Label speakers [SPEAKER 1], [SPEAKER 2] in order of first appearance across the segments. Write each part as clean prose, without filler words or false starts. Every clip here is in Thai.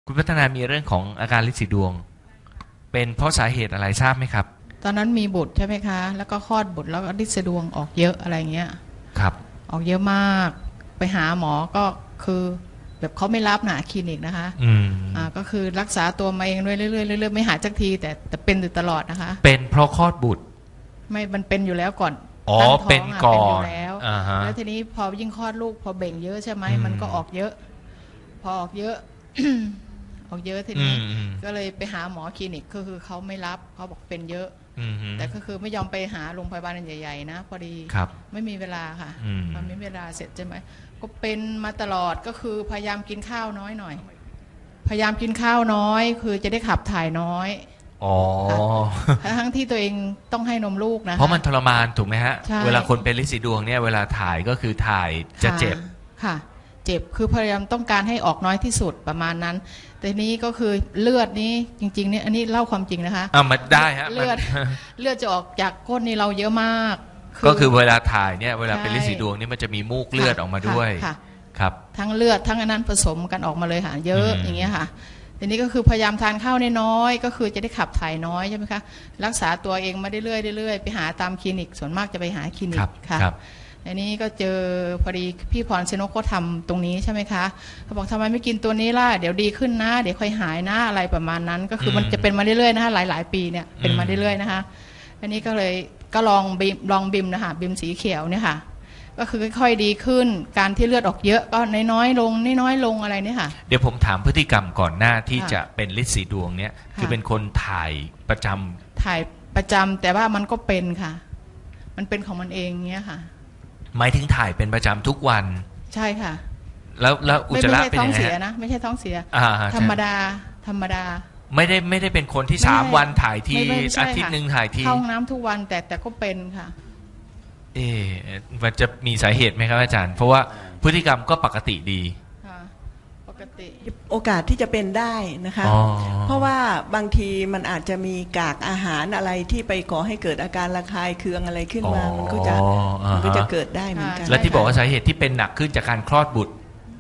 [SPEAKER 1] คุณพัฒนามีเรื่องของอาการลินสีดวงเป็นเพราะสาเหตุอะไรทราบไหมครับ
[SPEAKER 2] ตอนนั้นมีบุตรใช่ไหมคะแล้วก็คลอดบุตรแล้วก็ลินสะดวงออกเยอะอะไรเงี้ย
[SPEAKER 1] ครับ
[SPEAKER 2] ออกเยอะมากไปหาหมอก็คือแบบเขาไม่รับหนาคลินิกนะคะก็คือรักษาตัวมาเองเรื่อยๆเรื่อยๆไม่หายสักทีแต่เป็นอยู่ตลอดนะคะ
[SPEAKER 1] เป็นเพราะคลอดบุตร
[SPEAKER 2] ไม่มันเป็นอยู่แล้วก่อน
[SPEAKER 1] อ๋อเป็นก่อน
[SPEAKER 2] แล้วทีนี้พอยิ่งคลอดลูกพอเบ่งเยอะใช่ไหมมันก็ออกเยอะพอออกเยอะ ออกเยอะทีนี้ก็เลยไปหาหมอคลินิกก็คือเขาไม่รับเขาบอกเป็นเยอะแต่ก็คือไม่ยอมไปหาโรงพยาบาลใหญ่ๆนะพอดีไม่มีเวลาค่ะมันไม่มีเวลาเสร็จใช่ไหมก็เป็นมาตลอดก็คือพยายามกินข้าวน้อยหน่อยพยายามกินข้าวน้อยคือจะได้ขับถ่ายน้อย
[SPEAKER 1] อ๋อ
[SPEAKER 2] ทั้งที่ตัวเองต้องให้นมลูกนะ
[SPEAKER 1] เพราะมันทรมานถูกไหมฮะเวลาคนเป็นลินสีดวงเนี่ยเวลาถ่ายก็คือถ่ายจะเจ็บ
[SPEAKER 2] ค่ะเจ็บคือพยายามต้องการให้ออกน้อยที่สุดประมาณนั้นแต่นี้ก็คือเลือดนี้จริงๆเนี่ยอันนี้เล่าความจริงนะคะ
[SPEAKER 1] มันได้ฮะ
[SPEAKER 2] เลือดจะออกจากก้นนี่เราเยอะมาก
[SPEAKER 1] ก็คือเวลาถ่ายเนี่ยเวลาเป็นลินสีดวงนี่มันจะมีมูกเลือดออกมาด้วยครับ
[SPEAKER 2] ทั้งเลือดทั้งอันนั้นผสมกันออกมาเลยค่ะเยอะอย่างเงี้ยค่ะทีนี้ก็คือพยายามทานข้าวน้อยก็คือจะได้ขับถ่ายน้อยใช่ไหมคะรักษาตัวเองมาเรื่อยๆไปหาตามคลินิกส่วนมากจะไปหาคลินิกค่ะอันนี้ก็เจอพอดีพี่พรชนกเขาทำตรงนี้ใช่ไหมคะเขาบอกทำไมไม่กินตัวนี้ล่ะเดี๋ยวดีขึ้นนะเดี๋ยวค่อยหายนะอะไรประมาณนั้นก็คือมันจะเป็นมาเรื่อยๆนะคะหลายๆปีเนี่ยเป็นมาเรื่อยๆนะคะอันนี้ก็เลยก็ลองบิมนะคะบิมสีเขียวเนี่ยค่ะก็คือค่อยๆดีขึ้นการที่เลือดออกเยอะก็น้อยๆลงอะไรเนี่ยค่ะ
[SPEAKER 1] เดี๋ยวผมถามพฤติกรรมก่อนหน้าที่จะเป็นลินสีดวงเนี่ยคือเป็นคนถ่ายประจำ
[SPEAKER 2] แต่ว่ามันก็เป็นค่ะมันเป็นของมันเองเงี้ยค่ะ
[SPEAKER 1] หมายถึงถ่ายเป็นประจำทุกวัน
[SPEAKER 2] ใช่ค่ะ
[SPEAKER 1] แล้วอุจจาระเป็นยังไง
[SPEAKER 2] ไม่ใช่ท้องเสียนะไม่ใช่ท้องเสียธรรมดา
[SPEAKER 1] ไม่ได้เป็นคนที่3 วันถ่ายทีอาทิตย์นึงถ่ายที
[SPEAKER 2] เข้าห้องน้ำทุกวันแต่ก็เป็นค่ะ
[SPEAKER 1] มันจะมีสาเหตุไหมครับอาจารย์เพราะว่าพฤติกรรมก็ปกติดี
[SPEAKER 2] ปกติ
[SPEAKER 3] โอกาสที่จะเป็นได้นะคะเพราะว่าบางทีมันอาจจะมีกากอาหารอะไรที่ไปก่อให้เกิดอาการระคายเคืองอะไรขึ้นมามันก็จะเกิดได้เหมือนกัน
[SPEAKER 1] และที่บอกว่าสาเหตุที่เป็นหนักขึ้นจากการคลอดบุตร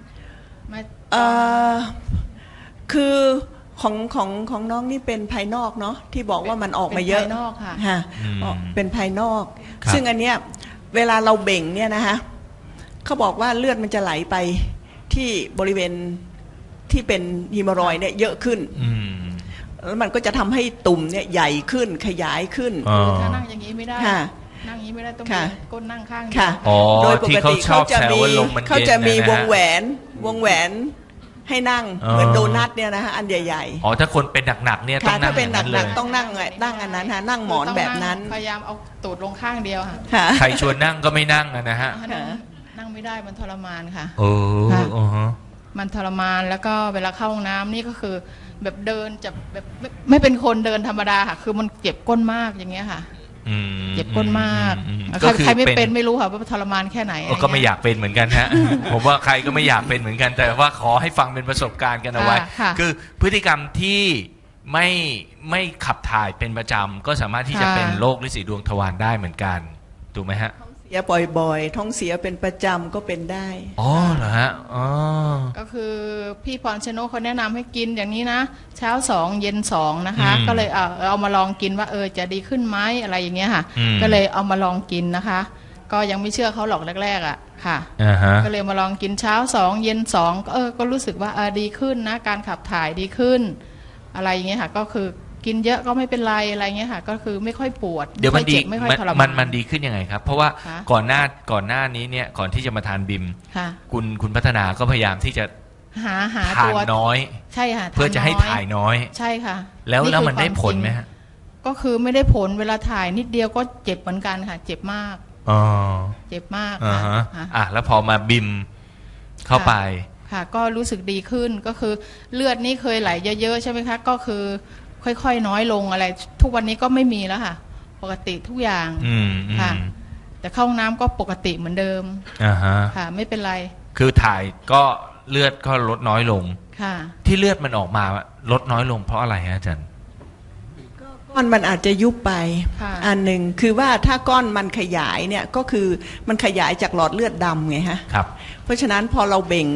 [SPEAKER 3] คือของน้องนี่เป็นภายนอกเนาะที่บอกว่ามันออกมาเยอะ
[SPEAKER 2] ภายนอกค่ะ
[SPEAKER 3] เป็นภายนอกซึ่งอันเนี้ยเวลาเราเบ่งเนี่ยนะคะเขาบอกว่าเลือดมันจะไหลไปที่บริเวณที่เป็นฮีโมรอยด์เนี่ยเยอะขึ้นแล้วมันก็จะทำให้ตุ่มเนี่ยใหญ่ขึ้นขยายขึ้น
[SPEAKER 2] ถ้านั่งอย่างนี้ไม่ได้นั่งอย่างนี้ไม่ได้ต้องก้นนั่งข้าง
[SPEAKER 3] โดยปกติเขาจะมีวงแหวนให้นั่งเหมือนโดนัทเนี่ยนะฮะอันใหญ่
[SPEAKER 1] ๆถ้าคนเป็นหนักๆเนี่ยต้องนั่ง
[SPEAKER 3] ถ้าเป็นหนักๆต้องนั่งอันนั้นฮะนั่งหมอนแบบนั้น
[SPEAKER 2] พยายามเอาตูดลงข้างเดียวค่ะ
[SPEAKER 1] ใครชวนนั่งก็ไม่นั่งนะฮะ
[SPEAKER 2] นั่งไม่ได้มันทรมานค่ะ
[SPEAKER 1] มัน
[SPEAKER 2] ทรมานแล้วก็เวลาเข้าห้องน้ำนี่ก็คือแบบเดินจะแบบไม่เป็นคนเดินธรรมดาค่ะคือมันเจ็บก้นมากอย่างเงี้ยค่ะเจ็บก้นมากใครไม่เป็นไม่รู้ค่ะว่าทรมานแค่ไหน
[SPEAKER 1] ก็ไม่อยากเป็นเหมือนกันฮะผมว่าใครก็ไม่อยากเป็นเหมือนกันแต่ว่าขอให้ฟังเป็นประสบการณ์กันเอาไว้คือพฤติกรรมที่ไม่ขับถ่ายเป็นประจำก็สามารถที่จะเป็นโรคลินสีดวงทวารได้เหมือนกันถูกไหมฮะ
[SPEAKER 3] เสียบ่อยๆท้องเสียเป็นประจำก็เป็นได้
[SPEAKER 1] เหรอฮะ
[SPEAKER 2] ก็คือพี่พรชนกเขาแนะนำให้กินอย่างนี้นะเช้า2เย็น2นะคะก็เลยเอามาลองกินว่าจะดีขึ้นไหมอะไรอย่างเงี้ยค่ะก็เลยเอามาลองกินนะคะก็ยังไม่เชื่อเขาหรอกแรกๆค่ะก็เลยมาลองกินเช้า2เย็น2ก็รู้สึกว่าดีขึ้นนะการขับถ่ายดีขึ้นอะไรอย่างเงี้ยค่ะก็คือกินเยอะก็ไม่เป็นไรอะไรเงี้ยค่ะก็คือไม่ค่อยปวด
[SPEAKER 1] เดี๋ยวมันดีมันดีขึ้นยังไงครับเพราะว่าก่อนหน้านี้เนี่ยก่อนที่จะมาทานบิมคุณพัฒนาก็พยายามที่จะ
[SPEAKER 2] หา
[SPEAKER 1] ทานน้อย
[SPEAKER 2] ใช่ค่ะ
[SPEAKER 1] เพื่อจะให้ถ่ายน้อย
[SPEAKER 2] ใช่ค่ะ
[SPEAKER 1] แล้วมันได้ผลไหมฮะ
[SPEAKER 2] ก็คือไม่ได้ผลเวลาถ่ายนิดเดียวก็เจ็บเหมือนกันค่ะเจ็บมากเจ็บมาก
[SPEAKER 1] แล้วพอมาบิมเข้าไป
[SPEAKER 2] ค่ะก็รู้สึกดีขึ้นก็คือเลือดนี่เคยไหลเยอะๆใช่ไหมคะก็คือค่อยๆน้อยลงอะไรทุกวันนี้ก็ไม่มีแล้วค่ะปกติทุกอย่างค่ะแต่เข้าห้องน้ำก็ปกติเหมือนเดิมค่ะไม่เป็นไร
[SPEAKER 1] คือถ่ายก็เลือดก็ลดน้อยลง
[SPEAKER 2] ค่ะ
[SPEAKER 1] ที่เลือดมันออกมาลดน้อยลงเพราะอะไรฮะอาจารย์
[SPEAKER 3] ก้อนมันอาจจะยุบไปอันหนึ่งคือว่าถ้าก้อนมันขยายเนี่ยก็คือมันขยายจากหลอดเลือดดำไงฮะ
[SPEAKER 1] ครับ
[SPEAKER 3] เพราะฉะนั้นพอเราเบ่ง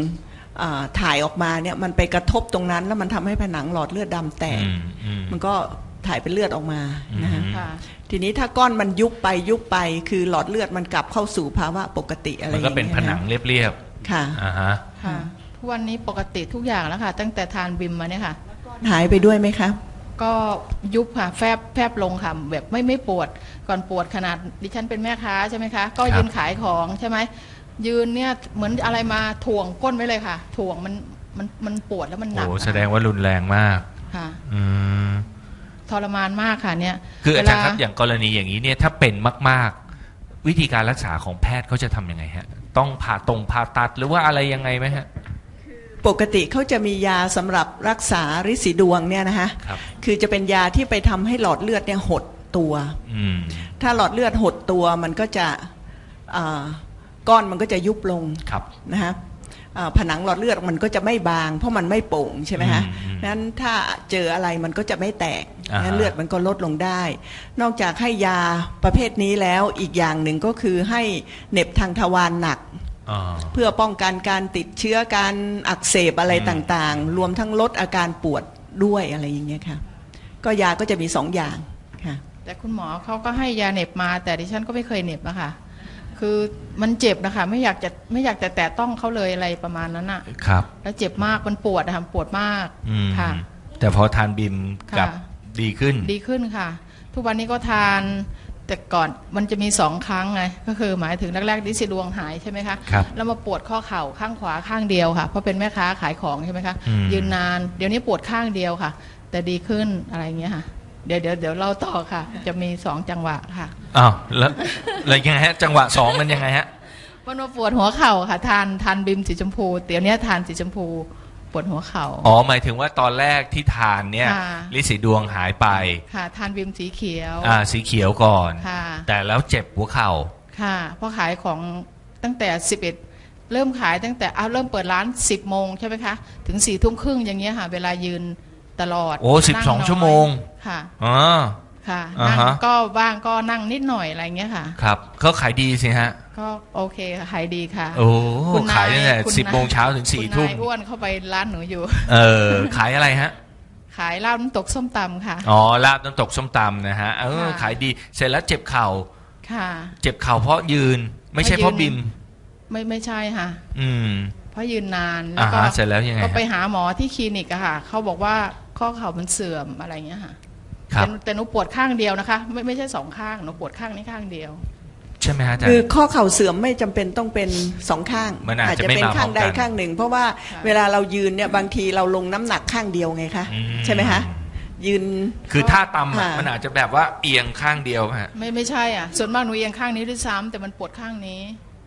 [SPEAKER 3] ถ่ายออกมาเนี่ยมันไปกระทบตรงนั้นแล้วมันทำให้ผนังหลอดเลือดดำแตกมันก็ถ่ายเป็นเลือดออกมานะฮะทีนี้ถ้าก้อนมันยุบไปคือหลอดเลือดมันกลับเข้าสู่ภาวะปกติอะไรอย่างเงี้ยมันก็
[SPEAKER 1] เป็นผนังเรียบ
[SPEAKER 3] ๆค่ะ
[SPEAKER 2] ค่ะทุกวันนี้ปกติทุกอย่างแล้วค่ะตั้งแต่ทานบิมมาเนี่ยค่ะ
[SPEAKER 3] หายไปด้วยไหมคะ
[SPEAKER 2] ก็ยุบค่ะแฟบลงค่ะแบบไม่ปวดก่อนปวดขนาดดิฉันเป็นแม่ค้าใช่ไหมคะก็ยืนขายของใช่ไหมยืนเนี่ยเหมือนอะไรมาถ่วงก้นไว้เลยค่ะถ่วงมันปวดแล้วมันหนัก
[SPEAKER 1] โอ้แสดงว่ารุนแรงมาก
[SPEAKER 2] ค่ะทรมานมากค่ะเนี่ย
[SPEAKER 1] คืออาจารย์ครับอย่างกรณีอย่างนี้เนี่ยถ้าเป็นมากๆวิธีการรักษาของแพทย์เขาจะทำยังไงฮะต้องผ่าตัดหรือว่าอะไรยังไงไหมฮะ
[SPEAKER 3] ปกติเขาจะมียาสำหรับรักษาฤทธิ์สีดวงเนี่ยนะคะคือจะเป็นยาที่ไปทำให้หลอดเลือดเนี่ยหดตัวถ้าหลอดเลือดหดตัวมันก็จะก้อนมันก็จะยุบลงนะฮะผนังหลอดเลือดมันก็จะไม่บางเพราะมันไม่โป่งใช่ไหมฮะนั้นถ้าเจออะไรมันก็จะไม่แตกงั้นเลือดมันก็ลดลงได้นอกจากให้ยาประเภทนี้แล้วอีกอย่างหนึ่งก็คือให้เหน็บทางทวารหนักเพื่อป้องกันการติดเชื้อการอักเสบอะไรต่างๆรวมทั้งลดอาการปวดด้วยอะไรอย่างเงี้ยค่ะก็ยาก็จะมี2 อย่างค่ะ
[SPEAKER 2] แต่คุณหมอเขาก็ให้ยาเหน็บมาแต่ดิฉันก็ไม่เคยเหน็บนะคะคือมันเจ็บนะคะไม่อยากจะแตะต้องเขาเลยอะไรประมาณนั้นอะ
[SPEAKER 1] ครับ
[SPEAKER 2] แล้วเจ็บมากมันปวดนะคะปวดมากค่ะ
[SPEAKER 1] แต่พอทานบิมกับดีขึ้น
[SPEAKER 2] ค่ะทุกวันนี้ก็ทานแต่ก่อนมันจะมี2 ครั้งไงก็คือหมายถึงแรกๆฤทธิ์สีดวงหายใช่ไหมคะแล้วมาปวดข้อเข่าข้างขวาข้างเดียวค่ะเพราะเป็นแม่ค้าขายของใช่ไหมคะยืนนานเดี๋ยวนี้ปวดข้างเดียวค่ะแต่ดีขึ้นอะไรเงี้ยค่ะเดี๋ยวเล่าต่อค่ะจะมี2 จังหวะค่ะ
[SPEAKER 1] อ้าวแล้วยังไงฮะจังหวะ2มันยังไงฮะ
[SPEAKER 2] มันมาปวดหัวเข่าค่ะทานบิมสีชมพูเดี๋ยวนี้ทานสีชมพูปวดหัวเข่า
[SPEAKER 1] หมายถึงว่าตอนแรกที่ทานเนี่ยฤทธิ์สีดวงหายไป
[SPEAKER 2] ค่ะทานบิมสีเขียว
[SPEAKER 1] สีเขียวก่อนแต่แล้วเจ็บหัวเข่า
[SPEAKER 2] ค่ะเพราะขายของตั้งแต่11เริ่มขายตั้งแต่เริ่มเปิดร้าน10 โมงใช่ไหมคะถึง4 ทุ่มครึ่งอย่างเงี้ยค่ะเวลายืนตลอด
[SPEAKER 1] 12 ชั่วโมง
[SPEAKER 2] ค่ะค่ะนั่งก็บ้างก็นั่งนิดหน่อยอะไรเงี้ยค่ะ
[SPEAKER 1] ครับเขาขายดีสิฮะ
[SPEAKER 2] ก็โอเคขายดีค่ะ
[SPEAKER 1] โอ้ขายตั้งแต่10 โมงเช้าถึง4 ทุ่ม
[SPEAKER 2] อ้วนเข้าไปร้านหนูอยู่
[SPEAKER 1] ขายอะไรฮะ
[SPEAKER 2] ขายลาบน้ำตกส้มตำค่ะ
[SPEAKER 1] ลาบน้ำตกส้มตำนะฮะขายดีเสร็จแล้วเจ็บเข่า
[SPEAKER 2] ค่ะ
[SPEAKER 1] เจ็บเข่าเพราะยืนไม่ใช่เพราะบิม
[SPEAKER 2] ไม่ใช่ค่ะเพราะยืนนานแล้
[SPEAKER 1] วก็เสร็จแล้วยังไง
[SPEAKER 2] ก็ไปหาหมอที่คลินิกอะค่ะเขาบอกว่าข้อเข่ามันเสื่อมอะไรเงี้ยค่ะแต่หนูปวดข้างเดียวนะคะไม่ใช่2 ข้างหนูปวดข้างนี้ข้างเดียว
[SPEAKER 1] ใช่ไหมฮะอาจารย์
[SPEAKER 3] คือข้อเข่าเสื่อมไม่จำเป็นต้องเป็น2 ข้าง
[SPEAKER 1] อาจจะเป็น
[SPEAKER 3] ข้างใดข้างหนึ่งเพราะว่าเวลาเรายืนเนี่ยบางทีเราลงน้ำหนักข้างเดียวไงคะใช่ไหมคะยืน
[SPEAKER 1] คือท่าตำมันอาจจะแบบว่าเอียงข้างเดียวฮะ
[SPEAKER 2] ไม่ใช่อ่ะส่วนมากหนูเอียงข้างนี้ด้วยซ้ำแต่มันปวดข้างนี้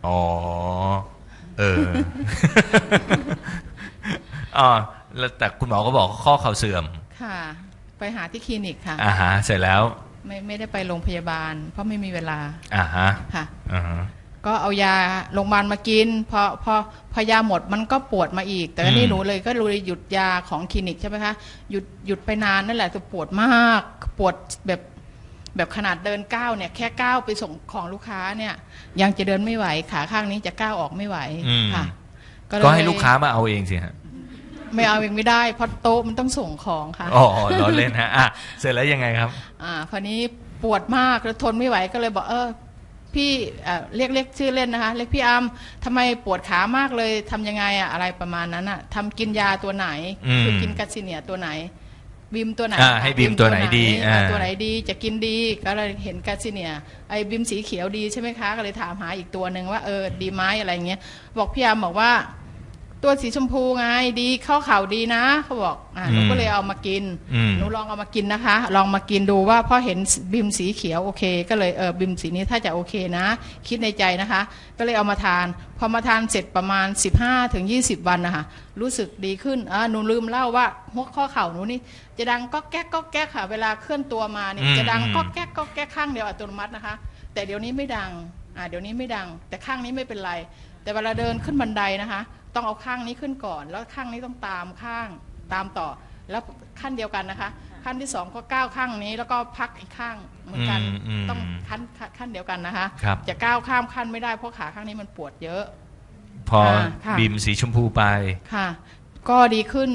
[SPEAKER 1] แล้วแต่คุณหมอก็บอกข้อเข่าเสื่อม
[SPEAKER 2] ค่ะไปหาที่คลินิกค่ะ
[SPEAKER 1] เสร็จแล้ว
[SPEAKER 2] ไม่ได้ไปโรงพยาบาลเพราะไม่มีเวลา
[SPEAKER 1] ค่ะ
[SPEAKER 2] ก็เอายาโรงพยาบาลมากินพอยาหมดมันก็ปวดมาอีกแต่นี่หนูเลยก็เลยหยุดยาของคลินิกใช่ไหมคะหยุดไปนานนั่นแหละจะปวดมากปวดแบบขนาดเดินก้าวเนี่ยแค่ก้าวไปส่งของลูกค้าเนี่ยยังจะเดินไม่ไหวขาข้างนี้จะก้าวออกไม่ไหวค่ะ
[SPEAKER 1] ก็ให้ลูกค้ามาเอาเองสิฮะ
[SPEAKER 2] ไม่เอาเองไม่ได้เพราะโต๊ะมันต้องส่งของค่ะ
[SPEAKER 1] ล้อเล่นฮะเสร็จแล้วยังไงครับ
[SPEAKER 2] คราวนี้ปวดมากแล้วทนไม่ไหวก็เลยบอกพี่เรียกชื่อเล่นนะคะเรียกพี่อัมทำไมปวดขามากเลยทำยังไงอะไรประมาณนั้นทำกินยาตัวไหนคือกินกัสซิเนียตัวไหนบิมตัวไหน
[SPEAKER 1] ให้บิมตัวไหนดี
[SPEAKER 2] ตัวไหนดีจะกินดีก็เลยเห็นกัสซิเนียไอ้บิมสีเขียวดีใช่ไหมคะก็เลยถามหาอีกตัวหนึ่งว่าดีไหมอะไรเงี้ยบอกพี่อัมบอกว่าตัวสีชมพูไงดีเข้าเข่าดีนะเขาบอกหนูก็เลยเอามากินหนูลองเอามากินนะคะลองมากินดูว่าพอเห็นบิมสีเขียวโอเคก็เลยบิมสีนี้ถ้าจะโอเคนะคิดในใจนะคะก็เลยเอามาทานพอมาทานเสร็จประมาณ15-20 วันนะคะรู้สึกดีขึ้นหนูลืมเล่าว่าหัวข้อเข่าหนูนี่จะดังก็แก๊กก็แก๊กค่ะเวลาเคลื่อนตัวมาเนี่ยจะดังก็แก๊กก็แก๊กข้างเดียวอัตโนมัตินะคะแต่เดี๋ยวนี้ไม่ดังเดี๋ยวนี้ไม่ดังแต่ข้างนี้ไม่เป็นไรแต่เวลาเดินขึ้นบันไดนะคะต้องเอาข้างนี้ขึ้นก่อนแล้วข้างนี้ต้องตามต่อแล้วขั้นเดียวกันนะคะขั้นที่2ก็ก้าวข้างนี้แล้วก็พักอีกข้างเหมือนกันต้องขั้นเดียวกันนะคะจะก้าวข้ามขั้นไม่ได้เพราะขาข้างนี้มันปวดเยอะ
[SPEAKER 1] พอ
[SPEAKER 2] ค่ะ
[SPEAKER 1] บีมสีชมพูไป
[SPEAKER 2] ค่ะ ก็ดีขึ้น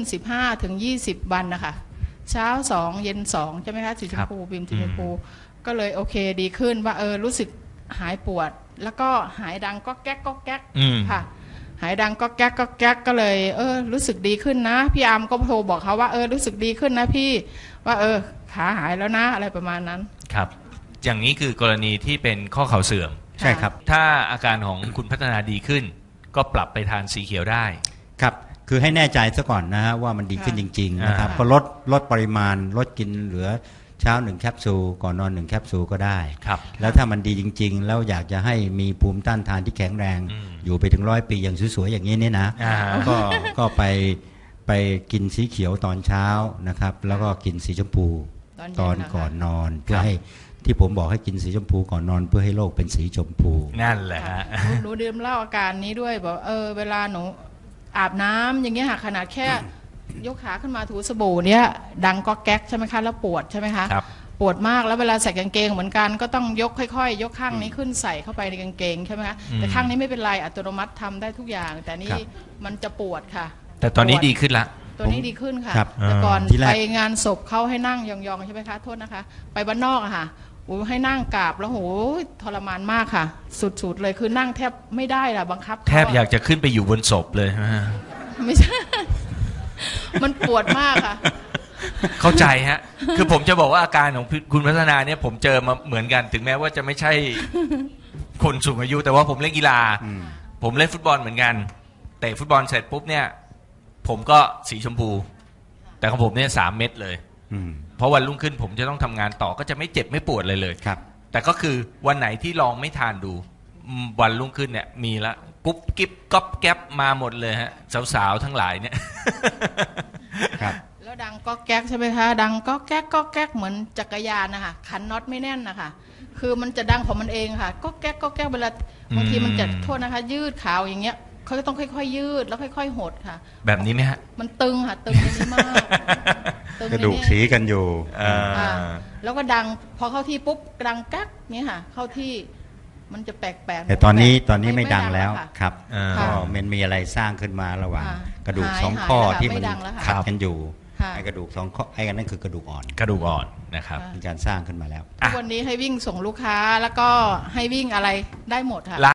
[SPEAKER 2] 15-20 วันนะคะเช้า2เย็น2ใช่ไหมคะสีชมพูบีมสีชมพูก็เลยโอเคดีขึ้นว่ารู้สึกหายปวด แล้วก็หายดังก็แก๊กก็แก๊กค่ะหายดังก็แก๊กก็แก๊กก็เลยรู้สึกดีขึ้นนะพี่อาร์มก็โทรบอกเขาว่ารู้สึกดีขึ้นนะพี่ว่าขาหายแล้วนะอะไรประมาณนั้น
[SPEAKER 1] ครับอย่างนี้คือกรณีที่เป็นข้อเข่าเสื่อม
[SPEAKER 4] ใช่ครับ
[SPEAKER 1] ถ้าอาการของคุณพัฒนาดีขึ้นก็ปรับไปทานสีเขียวได้
[SPEAKER 4] ครับคือให้แน่ใจซะก่อนนะฮะว่ามันดีขึ้นจริงๆนะครับก็ลดปริมาณลดกินเหลือเช้า1แคปซูลก่อนนอน1แคปซูลก็ได้
[SPEAKER 1] ครับ
[SPEAKER 4] แล้วถ้ามันดีจริงๆแล้วอยากจะให้มีภูมิต้านทานที่แข็งแรงอยู่ไปถึง100 ปีอย่างสวยๆอย่างนี้เนี่ยนะก็ไปกินสีเขียวตอนเช้านะครับแล้วก็กินสีชมพูตอนก่อนนอนเพื่อให้ที่ผมบอกให้กินสีชมพูก่อนนอนเพื่อให้โลกเป็นสีชมพู
[SPEAKER 1] นั่นแหละฮะ
[SPEAKER 2] หนูดื่มเหล้าอาการนี้ด้วยบอกเวลาหนูอาบน้ำอย่างเงี้ยค่ะขนาดแค่ยกขาขึ้นมาถูสบู่เนี้ยดังก็แก๊กใช่ไหมคะแล้วปวดใช่ไหมคะปวดมากแล้วเวลาใส่กางเกงเหมือนกันก็ต้องยกค่อยๆยกข้างนี้ขึ้นใส่เข้าไปในกางเกงใช่ไหมคะแต่ข้างนี้ไม่เป็นไรอัตโนมัติทำได้ทุกอย่างแต่นี่มันจะปวดค่ะ
[SPEAKER 1] แต่ตอนนี้ดีขึ้นละ
[SPEAKER 2] ตัวนี้ดีขึ้นค่ะแต่ก่อนไปงานศพเขาให้นั่งยองๆใช่ไหมคะโทษนะคะไปบ้านนอกอะค่ะให้นั่งกราบแล้วโหทรมานมากค่ะสุดๆเลยคือนั่งแทบไม่ได้ล่ะบังคับ
[SPEAKER 1] แทบอยากจะขึ้นไปอยู่บนศพเลย
[SPEAKER 2] ไม่ใช่มันปวดมากค่ะ
[SPEAKER 1] เข้าใจฮะคือผมจะบอกว่าอาการของคุณพัฒนาเนี่ยผมเจอมาเหมือนกันถึงแม้ว่าจะไม่ใช่คนสูงอายุแต่ว่าผมเล่นกีฬาผมเล่นฟุตบอลเหมือนกันเตะฟุตบอลเสร็จปุ๊บเนี่ยผมก็สีชมพูแต่ของผมเนี่ย3 เม็ดเลยเพราะวันรุ่งขึ้นผมจะต้องทำงานต่อก็จะไม่เจ็บไม่ปวดเลย
[SPEAKER 4] ครับ
[SPEAKER 1] แต่ก็คือวันไหนที่ลองไม่ทานดูวันรุ่งขึ้นเนี่ยมีละกุ๊บกิ๊บก๊อบแก๊บมาหมดเลยฮะสาวๆทั้งหลายเนี่ย
[SPEAKER 4] ครับ
[SPEAKER 2] แล้วดังก็แก๊กใช่ไหมคะดังก็แก๊กก็แก๊กเหมือนจักรยานนะคะขันน็อตไม่แน่นนะคะคือมันจะดังของมันเองค่ะก็แก๊กก็แก๊กเวลาบางทีมันจะโทษนะคะยืดขาวอย่างเงี้ยเขาจะต้องค่อยๆยืดแล้วค่อยๆหดค่ะ
[SPEAKER 1] แบบนี้ไหมฮะ
[SPEAKER 2] มันตึงค่ะตึงในนี้มาก
[SPEAKER 4] กระดูกสีกันอยู่
[SPEAKER 2] แล้วก็ดังพอเข้าที่ปุ๊บดังกักเนี้ยค่ะเข้าที่มันจะแปลกๆ
[SPEAKER 4] แต่ตอนนี้ไม่ดังแล้วครับก็มันมีอะไรสร้างขึ้นมาระหว่างกระดูก2 ข้อที่มันขัดกันอยู่ไอ้กระดูก2 ข้อไอ้กันนั่นคือกระดูกอ่อน
[SPEAKER 1] นะครับ
[SPEAKER 4] มีการสร้างขึ้นมาแล้ว
[SPEAKER 2] วันนี้ให้วิ่งส่งลูกค้าแล้วก็ให้วิ่งอะไรได้หมดค่ะ